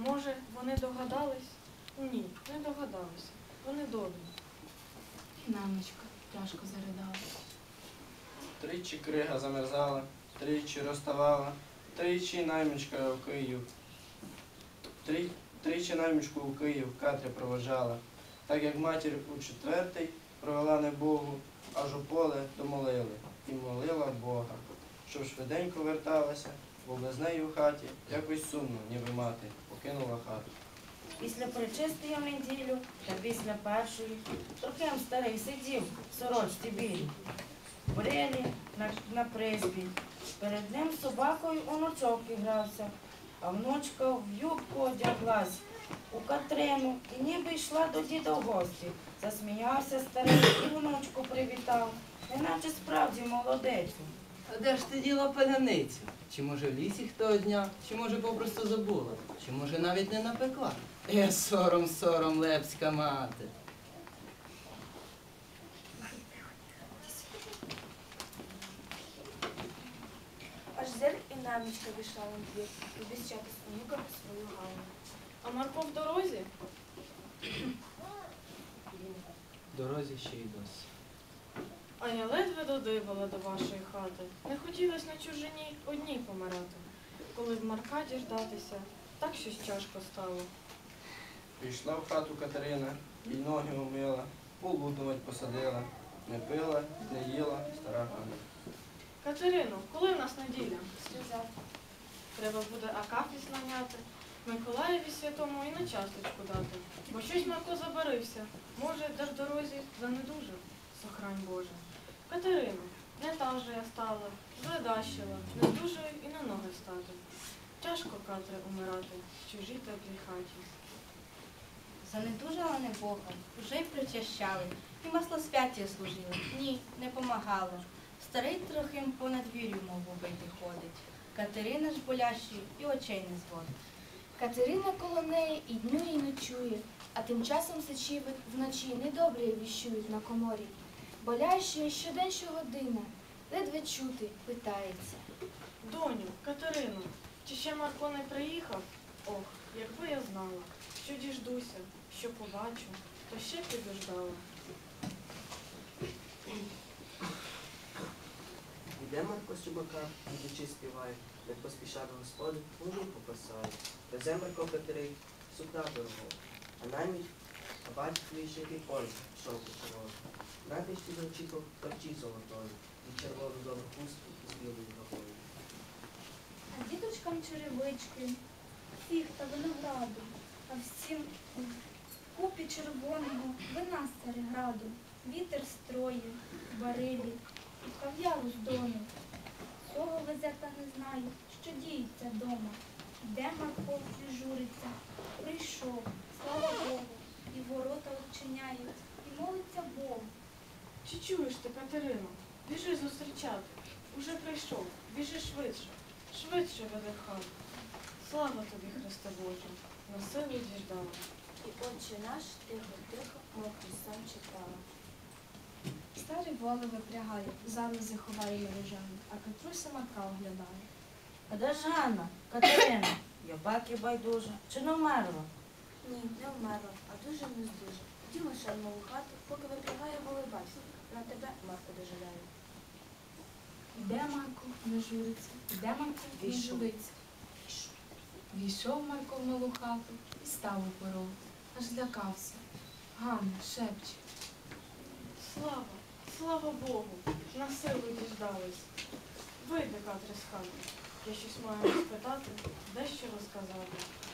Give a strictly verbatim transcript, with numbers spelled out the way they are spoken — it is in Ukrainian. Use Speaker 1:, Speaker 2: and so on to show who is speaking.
Speaker 1: Може, вони догадались? Ні, не догадалися. Вони добрі.
Speaker 2: Наймичка тяжко заридала.
Speaker 3: Тричі крига замерзала, тричі розставала, тричі наймичка у Київ. Три, тричі наймичку у Київ Катря проводжала, так як матір у четвертий провела не Богу, аж у поле домолили і молила Бога, щоб швиденько верталася, бо без неї у хаті якось сумно, ніби мати покинула хату.
Speaker 4: Після причистої в неділю та після першої Трохим старий сидів в сорочці білій, брилі на, на приспі. Перед ним з собакою онучок грався, а внучка в юбку одяглась у Катрину і ніби йшла до діда в гості. Засміявся старий і внучку привітав, неначе справді молодецю.
Speaker 5: А де ж ти діла паляницю? Чи може в лісі хто одняв, чи може попросту забула, чи може навіть не напекла? Е, сором, сором, лепська мати.
Speaker 6: Аж зир і намічка вийшла на двір, обіщати з онуками свою Галину.
Speaker 1: А Марко в дорозі?
Speaker 5: В дорозі ще й досі.
Speaker 1: А я ледве додибала до вашої хати. Не хотілося на чужині одній помирати. Коли в Марка діждатися, так щось тяжко стало.
Speaker 3: Прийшла в хату Катерина, і ноги умила, полуднувать посадила, не пила, не їла, стара хана.
Speaker 1: Катерино, коли в нас неділя?
Speaker 6: Сказав,
Speaker 1: Треба буде акафіс наняти, Миколаєві святому і на часточку дати. Бо щось Марко забарився. Може, де в дорозі занедужив? Сохрань Боже. Катерино, не та вже я стала, зледащила, не здужую і на ноги стати. Тяжко, Катре, умирати в чужій теплій хаті.
Speaker 2: Занедужала не Богом, уже й причащали, і маслосвяття служили. Ні, не помагало. Старий Трохим по надвір'ю, мов убитий ходить. Катерина ж болящою і очей не зводить.
Speaker 7: Катерина коло неї і дню, і ночує, а тим часом сечі вночі недобре віщують на коморі. Болящою щодень щогодина, ледве чути, питається.
Speaker 1: Доню, Катерино, чи ще Марко не приїхав? Ох, якби я знала, що діждуся, що побачу, то ще підождала.
Speaker 8: Іде Марко з чубака, ідучи співає, як поспіша до господи, мужу попасає. Везе Марко Катерий, сукна дорого, а найміть, а бачить вишитий полі, шовку червону. Натишті до очіков торчі золотої, і червону добру хустку з білою гавою.
Speaker 7: А діточкам черевички, фіг та винограду, а всім в купі червоного вина з Цареграду. Вітер строє, барилі, і кав'яру з дому. Цього везе та не знає, що діється дома. Де Марко не журиться, прийшов, слава Богу, і ворота відчиняє, і молиться Богу.
Speaker 1: Чи чуєш ти, Катерино? Біжи зустрічати. Уже прийшов. Біжи швидше. Швидше веде в хату. Слава тобі, Христе Боже, на силу діждала.
Speaker 6: і отче наш тихо-тихо, мов сам читала.
Speaker 7: Старий воли випрягає, залози ховає мережами, а Катруся Марка оглядає.
Speaker 4: А де ж Ганна, Катерина? Я баки байдужа, чи не вмерла?
Speaker 6: Ні, не вмерла, а дуже не здужа. Діма ще в нову хату, поки випрягає воли батько. На тебе, Марко, дожидає.
Speaker 7: Іде Марко, не журиться, іде Марко, не
Speaker 4: Війшов.
Speaker 7: журиться. Війшов Марко в малу хату і став у порог, аж злякався. Ганна шепче.
Speaker 1: Слава, слава Богу, на силу діждались. Вийди, Катре, з хати. Я щось маю розпитати, дещо розказати.